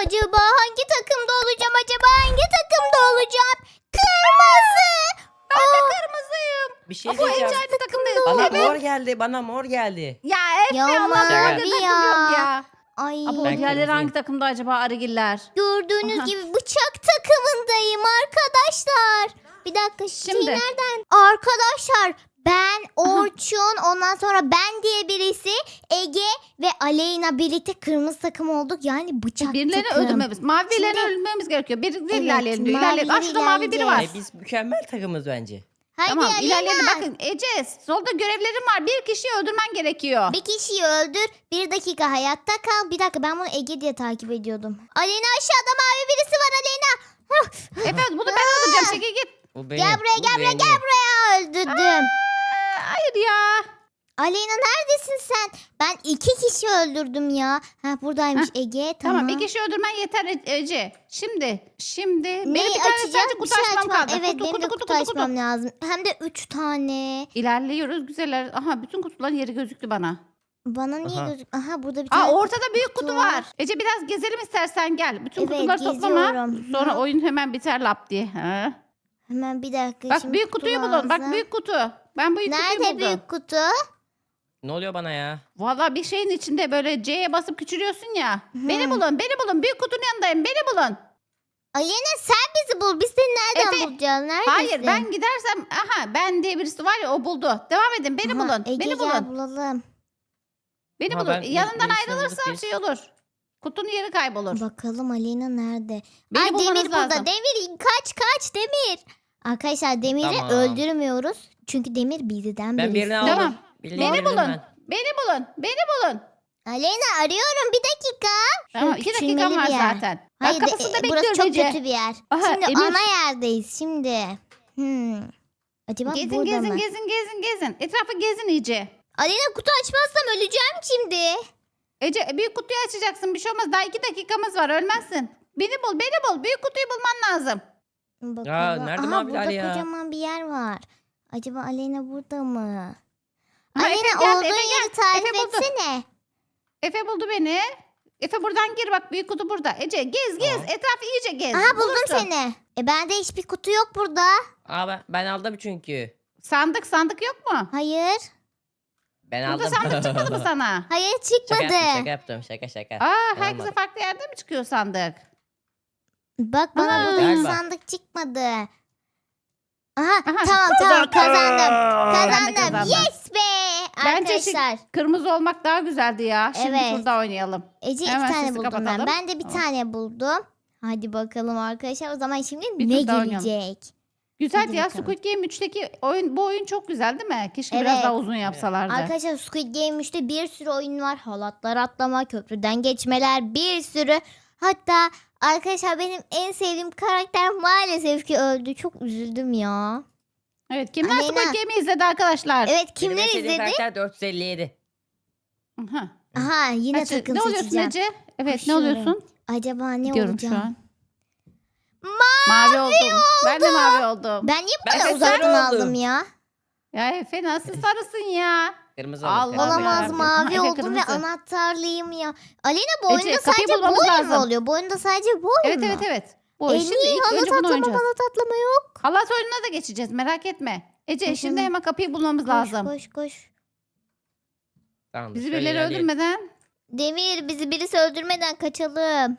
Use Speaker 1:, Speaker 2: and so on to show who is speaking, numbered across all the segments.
Speaker 1: Acaba hangi takımda olacağım? Hangi takımda olacağım? Kırmızı.
Speaker 2: Ben de kırmızıyım.
Speaker 3: Bir şey
Speaker 2: Bu
Speaker 3: diyeceğim.
Speaker 2: Ece takımda.
Speaker 3: Bana
Speaker 2: Evet.
Speaker 3: mor geldi. Bana mor geldi.
Speaker 2: Ya Efe
Speaker 1: Ya
Speaker 2: Allah
Speaker 1: mavi
Speaker 2: orada takım
Speaker 1: ya.
Speaker 2: yok ya.
Speaker 1: Ay.
Speaker 2: Abo
Speaker 3: Ben
Speaker 2: diğerleri
Speaker 3: kırmızıyım.
Speaker 2: hangi takımda acaba Arıgiller?
Speaker 1: Gördüğünüz
Speaker 2: Aha.
Speaker 1: gibi bıçak takımındayım arkadaşlar. Bir dakika
Speaker 2: Şimdi.
Speaker 1: nereden? Arkadaşlar ben Orçun ondan sonra ben diye birisi Ege ve Aleyna birlikte kırmızı takım olduk. Yani bıçak
Speaker 2: Birilerini
Speaker 1: takım.
Speaker 2: öldürmemiz. Mavilerini
Speaker 1: Şimdi-
Speaker 2: öldürmemiz gerekiyor. Biri
Speaker 1: Evet,
Speaker 2: ilerleyelim diyor. İlerleyelim. Aa
Speaker 1: mavileri
Speaker 2: şurada mavi biri var.
Speaker 1: ilerleyeceğiz.
Speaker 3: Biz mükemmel takımız bence.
Speaker 1: Haydi
Speaker 2: Tamam
Speaker 1: Aleyna.
Speaker 2: ilerleyelim. Bakın Ece solda görevlerim var. Bir kişiyi öldürmen gerekiyor.
Speaker 1: Bir kişiyi öldür. 1 dakika hayatta kal. Bir dakika ben bunu Ege diye takip ediyordum. Aleyna aşağıda mavi birisi var Aleyna.
Speaker 2: Efe bunu ben öldüreceğim. Çekil git.
Speaker 3: Bu benim.
Speaker 1: Gel buraya
Speaker 3: bu
Speaker 1: gel buraya
Speaker 3: benim.
Speaker 1: gel buraya öldürdüm.
Speaker 2: Hayır ya.
Speaker 1: Aleyna neredesin sen? Ben 2 kişi öldürdüm ya. Ha buradaymış Ege tamam.
Speaker 2: Tamam bir kişi öldürmen yeter Ece. Şimdi benim
Speaker 1: Neyi
Speaker 2: bir tane
Speaker 1: açacağım?
Speaker 2: sadece
Speaker 1: Bir
Speaker 2: kutu
Speaker 1: şey
Speaker 2: açmam
Speaker 1: açmam.
Speaker 2: kaldı.
Speaker 1: Evet
Speaker 2: kutu,
Speaker 1: benim
Speaker 2: kutu,
Speaker 1: de
Speaker 2: kutu,
Speaker 1: kutu
Speaker 2: kutu, kutu.
Speaker 1: açmam lazım. Hem de 3 tane.
Speaker 2: İlerliyoruz güzeller. Aha bütün kutuların yeri gözüktü bana.
Speaker 1: Bana niye
Speaker 3: Aha.
Speaker 1: gözük? Aha burada bir tane.
Speaker 2: Aa ortada büyük kutu
Speaker 1: kutu
Speaker 2: var.
Speaker 1: var.
Speaker 2: Ece biraz gezelim istersen gel. Bütün
Speaker 1: Evet,
Speaker 2: kutuları toplama.
Speaker 1: geziyorum.
Speaker 2: Sonra
Speaker 1: Hı.
Speaker 2: oyun hemen biter lap diye. Ha?
Speaker 1: Hemen bir dakika.
Speaker 2: Bak
Speaker 1: şimdi
Speaker 2: büyük
Speaker 1: kutu
Speaker 2: kutuyu bulun.
Speaker 1: lazım.
Speaker 2: Bak büyük kutu. Ben büyük kutuyu
Speaker 1: Nerede
Speaker 2: buldum.
Speaker 1: büyük kutu?
Speaker 3: Ne oluyor bana ya?
Speaker 2: Valla bir şeyin içinde böyle C'ye basıp küçülüyorsun ya.
Speaker 1: Hı.
Speaker 2: Beni bulun. Büyük kutunun yanındayım. Beni bulun.
Speaker 1: Aleyna sen bizi bul. Biz seni nereden
Speaker 2: Efe,
Speaker 1: bulacağız? Neredesin?
Speaker 2: Hayır ben gidersem ben diye birisi var ya o buldu. Devam edin beni
Speaker 1: Aha,
Speaker 2: bulun.
Speaker 1: Ege
Speaker 2: Beni
Speaker 1: gel
Speaker 2: bulun.
Speaker 1: bulalım.
Speaker 2: Beni
Speaker 3: Ha,
Speaker 2: bulun.
Speaker 3: ben
Speaker 2: Yanından
Speaker 3: birisini
Speaker 2: ayrılırsam
Speaker 3: bulduk biz.
Speaker 2: şey olur. Kutunun yeri kaybolur.
Speaker 1: Bakalım Aleyna nerede?
Speaker 2: Beni
Speaker 1: Ay
Speaker 2: bulmanız
Speaker 1: Demir burada.
Speaker 2: lazım.
Speaker 1: Demir kaç Demir. Arkadaşlar Demir'i
Speaker 3: Tamam.
Speaker 1: öldürmüyoruz. Çünkü Demir bizden
Speaker 3: Ben
Speaker 1: birisi.
Speaker 3: birini aldım.
Speaker 2: Tamam.
Speaker 3: Birini
Speaker 2: Beni
Speaker 3: indirdim
Speaker 2: bulun.
Speaker 3: ben.
Speaker 2: Beni bulun.
Speaker 1: Aleyna arıyorum bir dakika.
Speaker 2: Tamam
Speaker 1: Şöyle
Speaker 2: 2 dakikam
Speaker 1: küçülmeli
Speaker 2: var
Speaker 1: bir yer.
Speaker 2: zaten.
Speaker 1: Hayır
Speaker 2: Bak kapısında
Speaker 1: burası
Speaker 2: bekliyorum
Speaker 1: çok
Speaker 2: Ece.
Speaker 1: kötü bir yer.
Speaker 2: Aha,
Speaker 1: Şimdi
Speaker 2: Emir.
Speaker 1: ana yerdeyiz şimdi. Acaba
Speaker 2: Gezin
Speaker 1: burada mı?
Speaker 2: gezin. Etrafı gezin iyice.
Speaker 1: Aleyna kutu açmazsam öleceğim şimdi.
Speaker 2: Ece büyük kutuyu açacaksın. Bir şey olmaz. Daha 2 dakikamız var. Ölmezsin. Beni bul. Büyük kutuyu bulman lazım.
Speaker 1: Bakalım.
Speaker 3: nerede
Speaker 1: Aha,
Speaker 3: maviler
Speaker 1: burada
Speaker 3: ya?
Speaker 1: kocaman bir yer var. Acaba Aleyna burada mı?
Speaker 2: Ha,
Speaker 1: Aleyna
Speaker 2: Efe geldi,
Speaker 1: olduğun
Speaker 2: Efe
Speaker 1: yeri
Speaker 2: gel.
Speaker 1: tarif
Speaker 2: Efe buldu.
Speaker 1: etsene.
Speaker 2: Efe buldu beni. Efe buradan gir bak büyük kutu burada. Ece gez.
Speaker 3: Tamam.
Speaker 2: Etrafı iyice gez.
Speaker 1: Aha buldum
Speaker 2: Bulursun.
Speaker 1: seni. Bende hiçbir kutu yok burada.
Speaker 3: Aa ben aldım çünkü.
Speaker 2: Sandık yok mu?
Speaker 1: Hayır.
Speaker 3: Ben
Speaker 2: Burada
Speaker 3: aldım.
Speaker 2: sandık çıkmadı mı sana?
Speaker 1: Hayır
Speaker 3: Şaka
Speaker 1: çıkmadı.
Speaker 3: yaptım. Şaka.
Speaker 2: Aa
Speaker 3: Ben
Speaker 2: herkese
Speaker 3: almadım.
Speaker 2: farklı yerde mi çıkıyor sandık?
Speaker 1: Bak bana
Speaker 2: Aa.
Speaker 1: burada hiç
Speaker 3: Galiba.
Speaker 1: sandık çıkmadı. Aha,
Speaker 2: Aha,
Speaker 1: tamam kazandım.
Speaker 2: Ben de
Speaker 1: Kazandım.
Speaker 2: kazandım.
Speaker 1: Yes be.
Speaker 2: Bence
Speaker 1: Arkadaşlar.
Speaker 2: kırmızı olmak daha güzeldi ya. Şimdi
Speaker 1: Evet.
Speaker 2: şurada oynayalım.
Speaker 1: Ece iki
Speaker 2: Hemen
Speaker 1: tane
Speaker 2: sesi
Speaker 1: buldum ben.
Speaker 2: kapatalım.
Speaker 1: Ben de bir
Speaker 2: Tamam.
Speaker 1: tane buldum. Hadi bakalım arkadaşlar. O zaman şimdi
Speaker 2: Bir
Speaker 1: ne
Speaker 2: tur daha oynayalım.
Speaker 1: gelecek?
Speaker 2: Güzel
Speaker 1: Hadi
Speaker 2: ya
Speaker 1: bakalım.
Speaker 2: Squid Game 3'teki bu oyun çok güzel değil mi? Keşke
Speaker 1: Evet.
Speaker 2: biraz daha uzun yapsalardı.
Speaker 1: Arkadaşlar Squid Game 3'te bir sürü oyun var. Halatlar atlama, köprüden geçmeler bir sürü. Hatta arkadaşlar benim en sevdiğim karakter maalesef ki öldü. Çok üzüldüm ya.
Speaker 2: Evet kimler
Speaker 1: Aleyna.
Speaker 2: Squid Game'i izledi arkadaşlar?
Speaker 1: Evet
Speaker 3: Benim en
Speaker 1: kimler
Speaker 3: sevdiğim
Speaker 1: izledi?
Speaker 3: karakter 457.
Speaker 2: Aha.
Speaker 1: Aha yine
Speaker 2: Kaçı-
Speaker 1: takım
Speaker 2: ne oluyorsun
Speaker 1: seçeceğim.
Speaker 2: Ece? Evet
Speaker 1: Koşuyorum.
Speaker 2: ne oluyorsun?
Speaker 1: Acaba ne
Speaker 2: Gidiyorum
Speaker 1: olacağım?
Speaker 2: şu an. Mavi oldum. Ben de mavi oldum.
Speaker 1: Ben niye bu
Speaker 3: Ben
Speaker 1: kadar
Speaker 3: de
Speaker 1: uzaktan
Speaker 3: sarı
Speaker 1: aldım
Speaker 3: oldum.
Speaker 1: ya?
Speaker 2: Ya Efe nasıl sarısın ya?
Speaker 3: Kırmızı
Speaker 2: Allah
Speaker 3: oldu.
Speaker 2: Allah.
Speaker 1: Olamaz
Speaker 2: Efe
Speaker 1: mavi oldum ve
Speaker 2: kırmızı.
Speaker 1: anahtarlıyım ya. Aleyna bu
Speaker 2: Ece,
Speaker 1: oyunda
Speaker 2: kapıyı
Speaker 1: sadece bu
Speaker 2: bulmamız
Speaker 1: oyun mu
Speaker 2: lazım.
Speaker 1: oluyor? Bu oyunda sadece bu oyun
Speaker 2: Evet
Speaker 1: mu?
Speaker 2: evet. Bu oyun. Şimdi
Speaker 1: Niye
Speaker 2: ilk
Speaker 1: halat
Speaker 2: önce bunu
Speaker 1: atlama
Speaker 2: oynayacağız.
Speaker 1: halat atlama yok?
Speaker 2: Halat oyununa da geçeceğiz merak etme. Ece
Speaker 1: Hı hı.
Speaker 2: şimdi hemen kapıyı bulmamız lazım.
Speaker 1: Koş.
Speaker 3: Tamam,
Speaker 2: Bizi
Speaker 3: şöyle
Speaker 2: birileri
Speaker 3: ilerleyelim.
Speaker 2: öldürmeden.
Speaker 1: Demir bizi birisi öldürmeden kaçalım.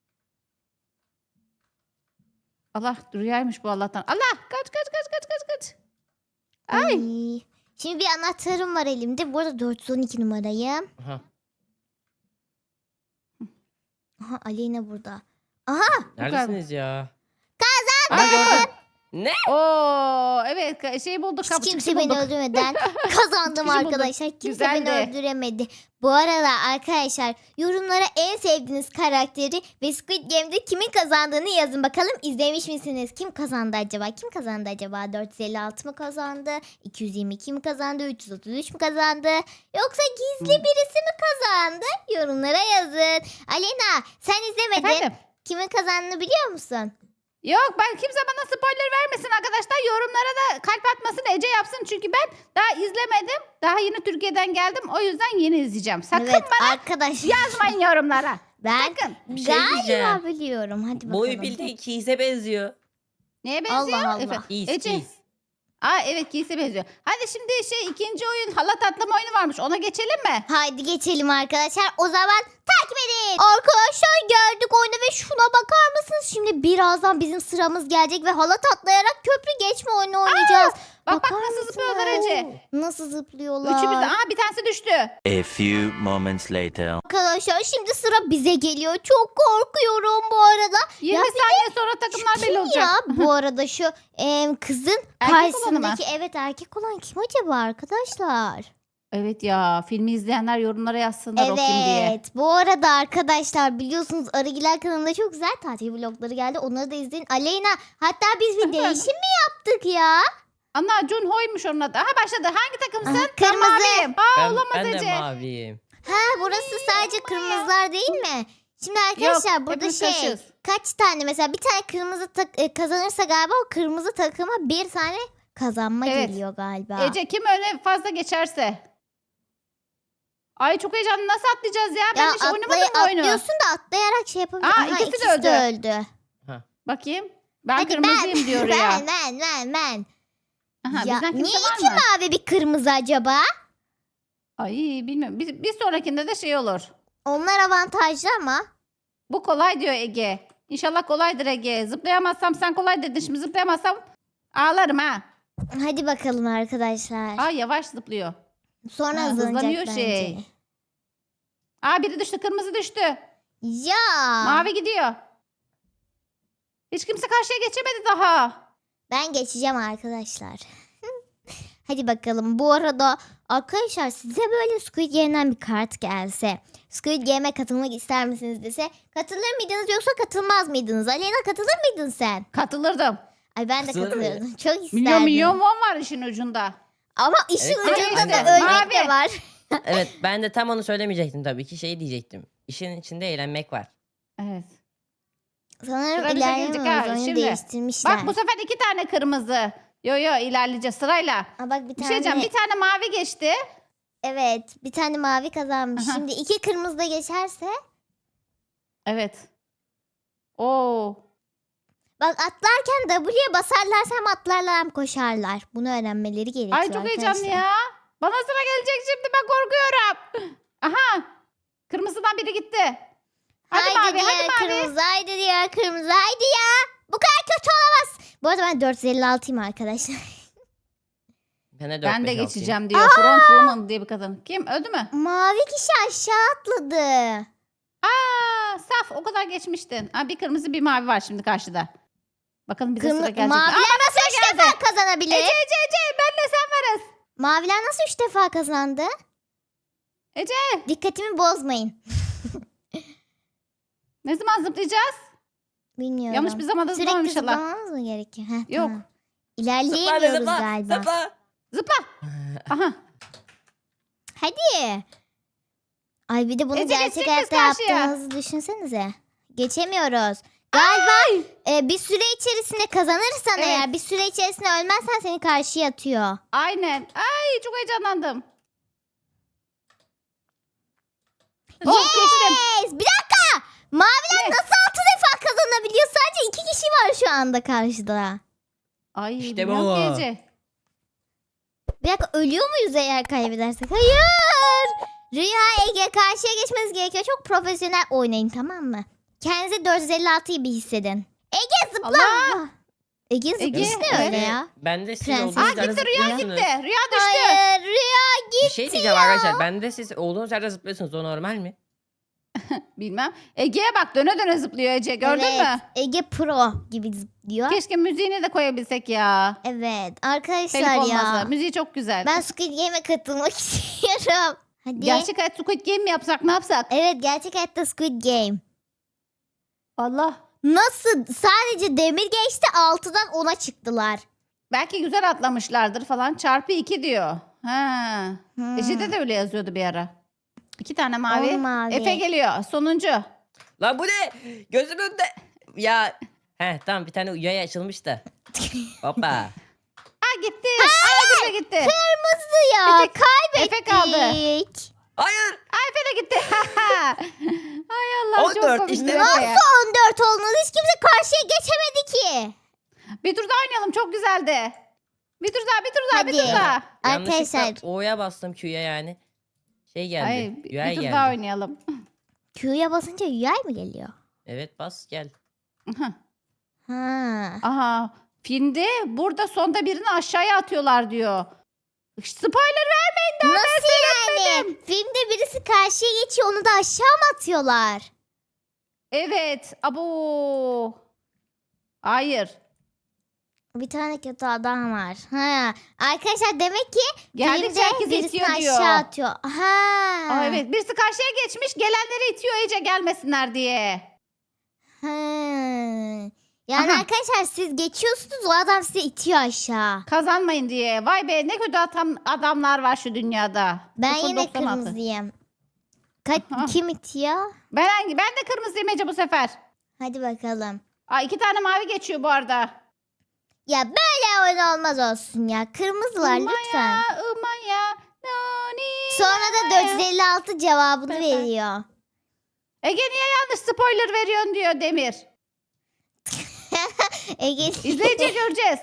Speaker 2: Allah rüyaymış bu Allah'tan. Allah kaç. Ay.
Speaker 1: Ay. Şimdi bir anahtarım var elimde. Bu arada 412 numarayım.
Speaker 3: Aha.
Speaker 1: Aha Aleyna burada. Aha
Speaker 3: Neredesiniz ya?
Speaker 2: Ay gördüm.
Speaker 3: Ne?
Speaker 2: Oo evet şey bulduk
Speaker 1: hiç
Speaker 2: kapı
Speaker 1: kimse
Speaker 2: çıkışı
Speaker 1: beni
Speaker 2: bulduk.
Speaker 1: öldürmeden kazandım
Speaker 2: Çıkışı bulduk.
Speaker 1: arkadaşlar. Kimse
Speaker 2: Güzeldi.
Speaker 1: beni öldüremedi. Bu arada arkadaşlar yorumlara en sevdiğiniz karakteri ve Squid Game'de kimin kazandığını yazın. Bakalım izlemiş misiniz? Kim kazandı acaba? 456 mı kazandı? 222 mi kazandı? 333 mü kazandı? Yoksa gizli birisi mi kazandı? Yorumlara yazın. Alena sen izlemedin.
Speaker 2: Efendim?
Speaker 1: Kimin kazandığını biliyor musun?
Speaker 2: Yok ben kimse bana spoiler vermesin arkadaşlar. Yorumlara da kalp atmasın Ece yapsın. Çünkü ben daha izlemedim. Daha yeni Türkiye'den geldim. O yüzden yeni izleyeceğim. Sakın
Speaker 1: Evet
Speaker 2: bana
Speaker 1: arkadaşlar.
Speaker 2: yazmayın yorumlara.
Speaker 1: Ben
Speaker 2: Sakın.
Speaker 3: Bir şey
Speaker 1: galiba
Speaker 3: diyeceğim.
Speaker 1: biliyorum. Hadi bakalım.
Speaker 3: Boyu bildiğin Keys'e benziyor.
Speaker 2: Neye benziyor?
Speaker 1: Allah Allah.
Speaker 2: Efendim?
Speaker 3: Keys,
Speaker 2: Ece.
Speaker 3: Keys.
Speaker 2: Aa evet giysi benziyor. Hadi şimdi ikinci oyun halat atlama oyunu varmış. Ona geçelim mi?
Speaker 1: Haydi geçelim arkadaşlar. O zaman takip edin. Arkadaşlar geldik oyuna ve şuna bakar mısınız? Şimdi birazdan bizim sıramız gelecek ve halat atlayarak köprü geçme oyunu oynayacağız.
Speaker 2: Bak
Speaker 1: Bakar
Speaker 2: nasıl zıplıyorlar
Speaker 1: mısınız?
Speaker 2: Ece.
Speaker 1: Nasıl zıplıyorlar?
Speaker 2: Üçümüz de. Aa bir tanesi düştü.
Speaker 4: A few moments later.
Speaker 1: Arkadaşlar şimdi sıra bize geliyor. Çok korkuyorum bu arada.
Speaker 2: 20
Speaker 1: Ya bir
Speaker 2: saniye sonra takımlar belli
Speaker 1: Kim
Speaker 2: olacak.
Speaker 1: ya bu arada şu kızın
Speaker 2: Erkek olanı mı?
Speaker 1: karşısındaki evet erkek olan kim acaba arkadaşlar?
Speaker 2: Evet ya filmi izleyenler yorumlara yazsınlar o kim diye.
Speaker 1: Evet. Bu arada arkadaşlar biliyorsunuz Arıgiler kanalında çok güzel tatil vlogları geldi. Onları da izleyin. Aleyna hatta biz bir değişim mi yaptık ya?
Speaker 2: Ana Junho'ymuş onun adı. Aha başladı. Hangi takımsın?
Speaker 1: Aha,
Speaker 2: Ben
Speaker 1: kırmızı.
Speaker 2: maviyim. Aa
Speaker 3: Ben,
Speaker 2: olamaz
Speaker 3: ben de
Speaker 2: Ece.
Speaker 3: maviyim.
Speaker 1: Ha burası sadece kırmızılar değil mi? Şimdi arkadaşlar
Speaker 2: Yok,
Speaker 1: burada
Speaker 2: hepimiz
Speaker 1: şey
Speaker 2: karışığız.
Speaker 1: kaç tane mesela bir tane kırmızı kazanırsa galiba o kırmızı takıma bir tane kazanma
Speaker 2: Evet.
Speaker 1: geliyor galiba.
Speaker 2: Ece kim öne fazla geçerse. Ay çok heyecanlı. Nasıl atlayacağız ya? Ben
Speaker 1: ya
Speaker 2: hiç oynamadım bu oyunu.
Speaker 1: atlıyorsun da atlayarak şey yapabiliyorsun.
Speaker 2: Aa,
Speaker 1: Aha,
Speaker 2: ikisi de
Speaker 1: öldü.
Speaker 2: Bakayım. Ben
Speaker 1: Hadi
Speaker 2: kırmızıyım diyor ya.
Speaker 1: Ben.
Speaker 2: Aha,
Speaker 1: Ya,
Speaker 2: bizden kimse
Speaker 1: niye
Speaker 2: var
Speaker 1: iki
Speaker 2: mı?
Speaker 1: mavi bir kırmızı acaba?
Speaker 2: Ay bilmiyorum. Bir sonrakinde de şey olur.
Speaker 1: Onlar avantajlı ama.
Speaker 2: Bu kolay diyor Ege. İnşallah kolaydır Ege. Zıplayamazsam sen kolay dedin. Şimdi zıplayamazsam ağlarım ha.
Speaker 1: Hadi bakalım arkadaşlar.
Speaker 2: Aa yavaş zıplıyor.
Speaker 1: Sonra
Speaker 2: ha,
Speaker 1: hızlanacak
Speaker 2: hızlanıyor
Speaker 1: bence.
Speaker 2: şey. Aa biri düştü. Kırmızı düştü.
Speaker 1: Ya.
Speaker 2: Mavi gidiyor. Hiç kimse karşıya geçemedi daha.
Speaker 1: Ben geçeceğim arkadaşlar. Hadi bakalım. Bu arada arkadaşlar size böyle Squid Game'den bir kart gelse. Squid Game'e katılmak ister misiniz dese. Katılır mıydınız yoksa katılmaz mıydınız? Aleyna katılır mıydın sen?
Speaker 2: Katılırdım.
Speaker 1: Ay ben de
Speaker 3: Katılır
Speaker 1: katılıyordum. Çok isterdim.
Speaker 2: Milyon won var işin ucunda.
Speaker 1: Ama işin
Speaker 3: Evet,
Speaker 1: ucunda
Speaker 3: ben
Speaker 1: da
Speaker 3: de.
Speaker 1: ölmek de
Speaker 2: Mavi.
Speaker 1: var.
Speaker 3: Evet ben de tam onu söylemeyecektim tabii ki şey diyecektim. İşin içinde eğlenmek var.
Speaker 2: Evet.
Speaker 1: Sanırım
Speaker 2: Sıra bize
Speaker 1: ilerleme
Speaker 2: gelecek ha,
Speaker 1: oyunu
Speaker 2: şimdi.
Speaker 1: değiştirmişler.
Speaker 2: Bak bu sefer 2 tane kırmızı. Yo ilerleyeceğiz sırayla.
Speaker 1: Aa, bak bir
Speaker 2: Bir
Speaker 1: tane.
Speaker 2: şey diyeceğim. Bir tane mavi geçti.
Speaker 1: Evet bir tane mavi kazanmış.
Speaker 2: Aha.
Speaker 1: Şimdi iki kırmızı da geçerse.
Speaker 2: Evet. Oo.
Speaker 1: Bak atlarken W'ye basarlarsa hem atlarlar hem koşarlar. Bunu öğrenmeleri gerekiyor
Speaker 2: Ay çok heyecanlı
Speaker 1: arkadaşlar.
Speaker 2: ya. Bana sıra gelecek şimdi ben korkuyorum. Aha. Kırmızıdan biri gitti. Hadi mavi
Speaker 1: diğer
Speaker 2: hadi mavi.
Speaker 1: kırmızı haydi diğer kırmızı haydi ya. Bu kadar kötü olamaz. Bu arada ben 456'yım arkadaşlar.
Speaker 3: Ben de, 4,
Speaker 2: Ben de
Speaker 3: 5, 6'yım.
Speaker 2: geçeceğim diyor. Front woman diye bir kadın. Kim öldü mü?
Speaker 1: Mavi kişi aşağı atladı.
Speaker 2: Aa saf o kadar geçmiştin. Aa, bir kırmızı bir mavi var şimdi karşıda. Bakalım bize sıra gelecek.
Speaker 1: Maviler
Speaker 2: Aa,
Speaker 1: nasıl 3 defa kazanabilir?
Speaker 2: Ece benle sen varız.
Speaker 1: Maviler nasıl 3 defa kazandı?
Speaker 2: Ece
Speaker 1: Dikkatimi bozmayın.
Speaker 2: ne zaman zıplayacağız?
Speaker 1: Bilmiyorum.
Speaker 2: Yanlış bir zamanda zıplamam
Speaker 1: Sürekli
Speaker 2: inşallah.
Speaker 1: zıplamamız mı gerekiyor? Heh,
Speaker 2: Yok.
Speaker 1: tamam. İlerleyemiyoruz galiba.
Speaker 3: Zıpla.
Speaker 2: Zıpla. Aha.
Speaker 1: Hadi. Ay bir de bunu
Speaker 2: Ece,
Speaker 1: gerçek
Speaker 2: geçecek
Speaker 1: hayatta
Speaker 2: miyiz karşıya?
Speaker 1: yaptığınızı düşünsenize. Geçemiyoruz. Galiba bir süre içerisinde kazanırsan
Speaker 2: Evet.
Speaker 1: eğer bir süre içerisinde ölmezsen seni karşıya atıyor.
Speaker 2: Aynen. Ay çok heyecanlandım. Oh, geçtim.
Speaker 1: Yes! Bir dakika. Maviler
Speaker 2: Ne?
Speaker 1: nasıl 6 defa kazanabiliyor? Sadece 2 kişi var şu anda karşıda.
Speaker 2: Ay
Speaker 3: İşte
Speaker 2: bilmiyorum
Speaker 3: bu.
Speaker 2: ki Ece.
Speaker 1: Bir dakika ölüyor muyuz eğer kaybedersek? Hayır. Rüya Ege karşıya geçmeniz gerekiyor. Çok profesyonel oynayın tamam mı? Kendinize 456 gibi hissedin. Ege zıpla.
Speaker 2: Allah.
Speaker 1: Ege
Speaker 2: Ege,
Speaker 1: zıplıyor
Speaker 2: evet.
Speaker 1: öyle ya.
Speaker 3: Ben de siz
Speaker 1: Prenses.
Speaker 3: olduğunuz
Speaker 2: Aa
Speaker 3: yerde
Speaker 2: gitti Rüya
Speaker 3: zıplıyorsunuz.
Speaker 2: gitti. Rüya düştü.
Speaker 1: Hayır Rüya
Speaker 3: Bir şey diyeceğim arkadaşlar. Ben de siz olduğunuz yerde zıplıyorsunuz. O normal mi?
Speaker 2: Bilmem. Ege'ye bak döne döne zıplıyor Ece. Gördün
Speaker 1: Evet,
Speaker 2: mü?
Speaker 1: Ege Pro gibi zıplıyor.
Speaker 2: Keşke müziğini de koyabilsek ya.
Speaker 1: Evet
Speaker 2: Telif
Speaker 1: arkadaşlar
Speaker 2: olmasa.
Speaker 1: ya.
Speaker 2: Müziği çok güzel.
Speaker 1: Ben Squid Game'e katılmak istiyorum. Hadi.
Speaker 2: Gerçek hayat Squid Game mi yapsak ne yapsak?
Speaker 1: Evet gerçek hayatta Squid Game.
Speaker 2: Allah.
Speaker 1: Nasıl? Sadece demir geçti 6'dan 10'a çıktılar.
Speaker 2: Belki güzel atlamışlardır falan. Çarpı 2 diyor. Ha.
Speaker 1: Hmm.
Speaker 2: Ece'de de öyle yazıyordu bir ara. 2 tane mavi.
Speaker 1: On mavi.
Speaker 2: Efe geliyor. Sonuncu.
Speaker 3: Lan bu ne? Gözümün önünde. Ya Tamam bir tane yay açılmış da. Hoppa.
Speaker 2: Ha gitti. Ay Efe gitti.
Speaker 1: Kırmızı ya.
Speaker 2: Efe- Efe kaldı.
Speaker 1: Kaybettik.
Speaker 3: Hayır.
Speaker 2: Ay Efe de gitti. Ay Allah
Speaker 3: 14
Speaker 2: çok komik.
Speaker 3: işte.
Speaker 2: Efe
Speaker 1: Nasıl
Speaker 2: ya.
Speaker 1: 14 olmalı? Hiç kimse karşıya geçemedi ki.
Speaker 2: Bir tur daha oynayalım çok güzeldi. Bir tur daha bir tur daha bir
Speaker 1: Hadi.
Speaker 2: tur daha.
Speaker 1: Arkadaşlar.
Speaker 3: Yanlışlıkla O'ya bastım Q'ya yani. Şey geldi.
Speaker 2: Ay
Speaker 3: UI
Speaker 2: bir tur
Speaker 3: geldi.
Speaker 2: daha oynayalım.
Speaker 1: Q'ya basınca UI mi geliyor?
Speaker 3: Evet bas gel.
Speaker 1: Ha.
Speaker 2: Aha filmde burada sonda birini aşağıya atıyorlar diyor. Spoiler vermeyin daha ben
Speaker 1: Nasıl yani? Filmde birisi karşıya geçiyor, onu da aşağı mı atıyorlar?
Speaker 2: Evet. Abo. Hayır.
Speaker 1: Bir tane kötü adam var. Ha. Arkadaşlar demek ki
Speaker 2: Geldikçe
Speaker 1: filmde
Speaker 2: herkes
Speaker 1: birisini
Speaker 2: itiyor diyor.
Speaker 1: aşağı atıyor. Ha.
Speaker 2: Aa, evet birisi karşıya geçmiş gelenleri itiyor Ece gelmesinler diye.
Speaker 1: Ha. Yani
Speaker 2: Aha.
Speaker 1: arkadaşlar siz geçiyorsunuz, o adam sizi itiyor aşağı.
Speaker 2: Kazanmayın diye. Vay be ne kötü adamlar var şu dünyada.
Speaker 1: Ben yine
Speaker 2: 0.96.
Speaker 1: kırmızıyım.
Speaker 2: Aha.
Speaker 1: Kim itiyor?
Speaker 2: Ben de kırmızıyım Ece bu sefer.
Speaker 1: Hadi bakalım.
Speaker 2: Aa, 2 tane mavi geçiyor bu arada.
Speaker 1: Ya böyle oyun olmaz olsun ya. Kırmızılar lütfen.
Speaker 2: Umaya, noni,
Speaker 1: Sonra da
Speaker 2: umaya.
Speaker 1: 456 cevabını
Speaker 2: Bye bye.
Speaker 1: veriyor.
Speaker 2: Ege niye yanlış spoiler veriyorsun diyor Demir.
Speaker 1: Ege
Speaker 2: İzleyince göreceğiz.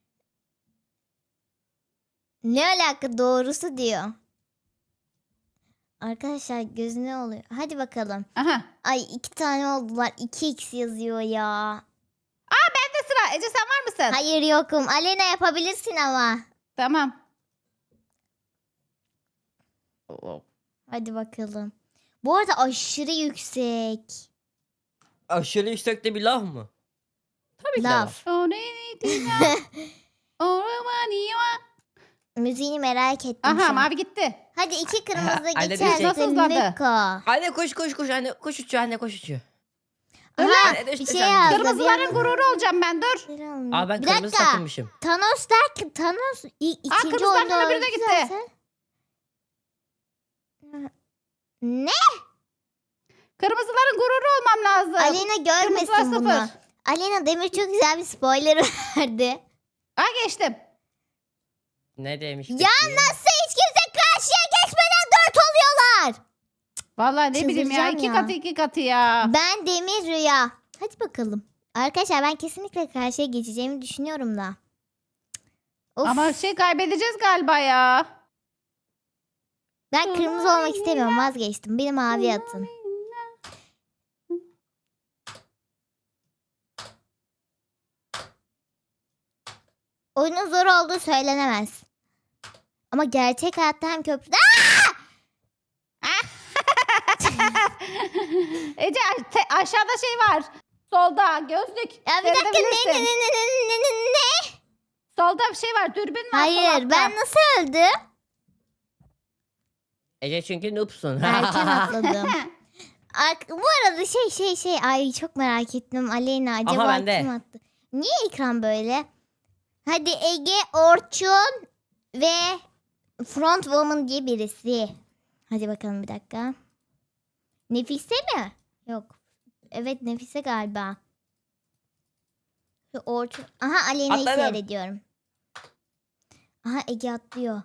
Speaker 1: ne alaka doğrusu diyor. Arkadaşlar gözüne oluyor. Hadi bakalım.
Speaker 2: Aha.
Speaker 1: Ay 2 tane oldular. 2x yazıyor ya.
Speaker 2: Bende sıra. Ece sen var mısın?
Speaker 1: Hayır yokum. Alena yapabilirsin ama.
Speaker 2: Tamam.
Speaker 1: Hadi bakalım. Bu arada aşırı yüksek.
Speaker 3: Aşırı yüksekte bir laf mı? Tabii ki de
Speaker 1: Laf.
Speaker 3: var.
Speaker 1: Müziğini merak ettim.
Speaker 2: Aha
Speaker 1: şu an.
Speaker 2: mavi gitti.
Speaker 1: Hadi 2 kırmızı
Speaker 3: Anne
Speaker 1: geçerse
Speaker 2: nasıl hızlandı?
Speaker 1: Miko.
Speaker 3: Anne koş anne koş uçuyor anne koş uçuyor.
Speaker 1: Aha
Speaker 3: Anne
Speaker 1: bir
Speaker 3: düştü
Speaker 1: şey
Speaker 3: sen.
Speaker 1: yazdı.
Speaker 2: Kırmızıların gururu olacağım ben dur.
Speaker 3: Aa ben
Speaker 1: bir
Speaker 3: kırmızı
Speaker 1: dakika.
Speaker 3: takılmışım.
Speaker 1: Thanos derken Thanos ikinci
Speaker 2: kırmızılardan
Speaker 1: oyunda
Speaker 2: öbürü de
Speaker 1: öldü
Speaker 2: gitti.
Speaker 1: zaten. Ne?
Speaker 2: Kırmızıların gururu olmam lazım.
Speaker 1: Alena görmesin
Speaker 2: Kırmızılar
Speaker 1: bunu.
Speaker 2: sıfır.
Speaker 1: Alena Demir çok güzel bir spoiler verdi.
Speaker 2: Ha geçtim.
Speaker 3: Ne demiş?
Speaker 1: Ya
Speaker 3: peki?
Speaker 1: nasıl hiç kimse karşıya geçmeden 4 oluyorlar?
Speaker 2: Vallahi ne bileyim ya
Speaker 1: Çıldıracağım
Speaker 2: iki
Speaker 1: ya.
Speaker 2: katı iki katı ya.
Speaker 1: Ben Demir Rüya. Hadi bakalım. Arkadaşlar ben kesinlikle karşıya geçeceğimi düşünüyorum da. Of,
Speaker 2: Ama kaybedeceğiz galiba ya.
Speaker 1: ben kırmızı olmak istemiyorum, vazgeçtim. Beni mavi atın. Oyunun zor olduğu söylenemez. Ama gerçek hayatta hem köprüde...
Speaker 2: Ece aşağıda şey var. Solda gözlük.
Speaker 1: Ya bir dakika
Speaker 2: Seyredebilirsin.
Speaker 1: ne?
Speaker 2: Solda bir şey var. Dürbün var. sol
Speaker 1: Hayır
Speaker 2: altta.
Speaker 1: ben nasıl öldüm?
Speaker 3: Ece çünkü noobsun.
Speaker 1: Erken atladım. Bu arada şey ay çok merak ettim. Aleyna acaba
Speaker 3: bende.
Speaker 1: kim attı? Niye ekran böyle? Hadi Ege, Orçun ve Front Woman diye birisi. Hadi bakalım bir dakika. Nefise mi? Yok. Evet Nefise galiba. Şu Orçun. Aha Aleyna'yı
Speaker 3: Atladım.
Speaker 1: seyrediyorum. Aha Ege atlıyor.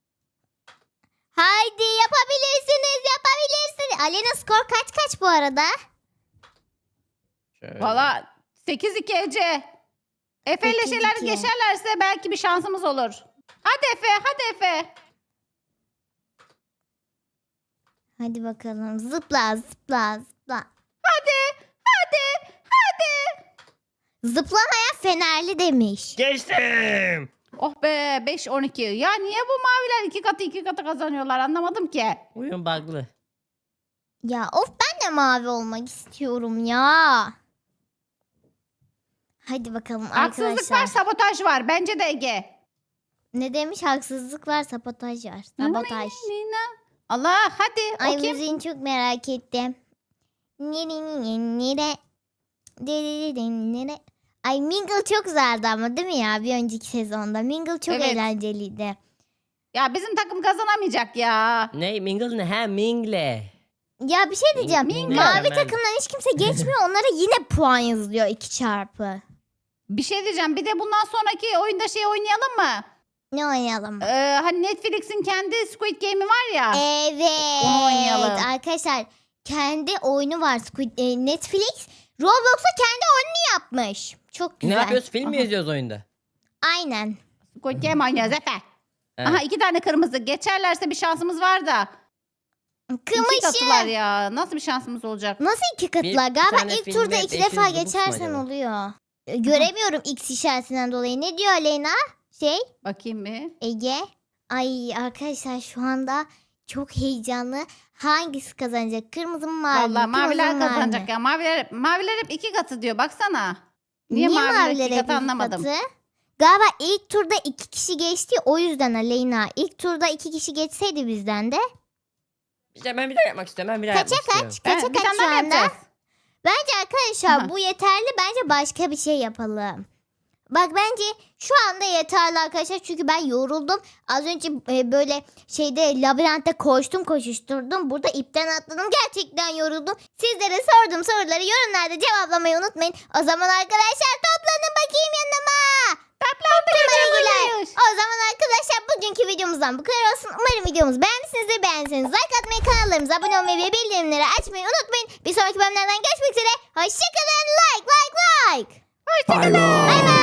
Speaker 1: Haydi yapabilirsiniz. Alena skor kaç bu arada?
Speaker 3: Şöyle.
Speaker 2: Valla 8-2 Ece. Efe ile
Speaker 1: 8-2.
Speaker 2: şeyler geçerlerse belki bir şansımız olur. Hadi Efe.
Speaker 1: Hadi bakalım. Zıpla.
Speaker 2: Hadi.
Speaker 1: Zıplamayan fenerli demiş.
Speaker 3: Geçtim.
Speaker 2: Oh be 5-12. Ya niye bu maviler iki katı kazanıyorlar anlamadım ki.
Speaker 3: Oyun bug'lı.
Speaker 1: Ya of ben de mavi olmak istiyorum ya. Hadi bakalım
Speaker 2: Haksızlık
Speaker 1: arkadaşlar.
Speaker 2: var sabotaj var. Bence de Ege.
Speaker 1: Ne demiş? Haksızlık var, sabotaj var. Sabotaj.
Speaker 2: Allah hadi
Speaker 1: Ay
Speaker 2: okuyayım.
Speaker 1: müziğini çok merak ettim. Nere. Ay Mingle çok güzeldi ama değil mi ya bir önceki sezonda? Mingle çok
Speaker 2: Evet.
Speaker 1: eğlenceliydi.
Speaker 2: Ya bizim takım kazanamayacak ya.
Speaker 3: Ne? Mingle ne? Ha Mingle.
Speaker 1: Ya bir şey diyeceğim.
Speaker 3: Mingo.
Speaker 1: Mavi
Speaker 3: Ben-
Speaker 1: takımdan hiç kimse geçmiyor. Onlara yine puan yazılıyor 2 çarpı.
Speaker 2: Bir şey diyeceğim. Bir de bundan sonraki oyunda şey oynayalım mı?
Speaker 1: Ne oynayalım?
Speaker 2: Hani Netflix'in kendi Squid Game'i var ya.
Speaker 1: Evet.
Speaker 2: Onu oynayalım.
Speaker 1: Arkadaşlar kendi oyunu var Netflix. Roblox'a kendi oyununu yapmış. Çok güzel.
Speaker 3: Ne yapıyoruz? Film mi
Speaker 2: Aha.
Speaker 3: izliyoruz oyunda?
Speaker 1: Aynen.
Speaker 2: Squid Game oynuyoruz Efe.
Speaker 3: Evet.
Speaker 2: Aha 2 tane kırmızı. Geçerlerse bir şansımız var da. 2 katılar
Speaker 1: Kımışı.
Speaker 2: ya. Nasıl bir şansımız olacak?
Speaker 1: Nasıl 2 katlar?
Speaker 3: Bir
Speaker 1: Galiba
Speaker 3: tane
Speaker 1: ilk
Speaker 3: filmde
Speaker 1: turda 2
Speaker 3: 500
Speaker 1: defa
Speaker 3: Robux mu
Speaker 1: geçersen
Speaker 3: acaba?
Speaker 1: oluyor. Göremiyorum X işaretinden dolayı. Ne diyor Aleyna?
Speaker 2: Bakayım bir.
Speaker 1: Ege. Ay arkadaşlar şu anda çok heyecanlı. Hangisi kazanacak? Kırmızı mı mavi mi?
Speaker 2: Vallahi
Speaker 1: Kırmızı
Speaker 2: maviler
Speaker 1: mı, mavi
Speaker 2: kazanacak
Speaker 1: mi?
Speaker 2: ya. Maviler hep 2 katı diyor. Baksana. Niye
Speaker 1: Niye
Speaker 2: maviler
Speaker 1: maviler
Speaker 2: 2
Speaker 1: hep
Speaker 2: katı
Speaker 1: iki
Speaker 2: anlamadım.
Speaker 1: katı? Galiba ilk turda 2 kişi geçti. O yüzden Aleyna. İlk turda 2 kişi geçseydi bizden de.
Speaker 3: İşte ben bir daha yapmak istiyorum. Ben bir daha
Speaker 1: Kaça
Speaker 3: yapmak istiyorum.
Speaker 1: kaç? Kaça
Speaker 2: Bir
Speaker 1: kaç
Speaker 2: tane
Speaker 1: şu
Speaker 2: daha mı
Speaker 1: anda?
Speaker 2: yapacağız?
Speaker 1: Bence arkadaşlar
Speaker 2: Aha.
Speaker 1: bu yeterli. Bence başka bir şey yapalım. Bak bence şu anda yeterli arkadaşlar. Çünkü ben yoruldum. Az önce böyle labirentte koşuşturdum. Burada ipten atladım. Gerçekten yoruldum. Sizlere sorduğum soruları yorumlarda cevaplamayı unutmayın. O zaman arkadaşlar toplanın bakayım yanıma.
Speaker 2: Toplandık
Speaker 1: Toplanın. O zaman arkadaşlar bugünkü videomuzdan bu kadar olsun. Umarım videomuzu beğenmişsinizdir. Beğenseniz like atmayı, kanallarımıza abone olmayı ve bildirimleri açmayı unutmayın. Bir sonraki bölümlerden görüşmek üzere. Hoşçakalın. Like.
Speaker 2: Hoşçakalın.
Speaker 1: Bay bay.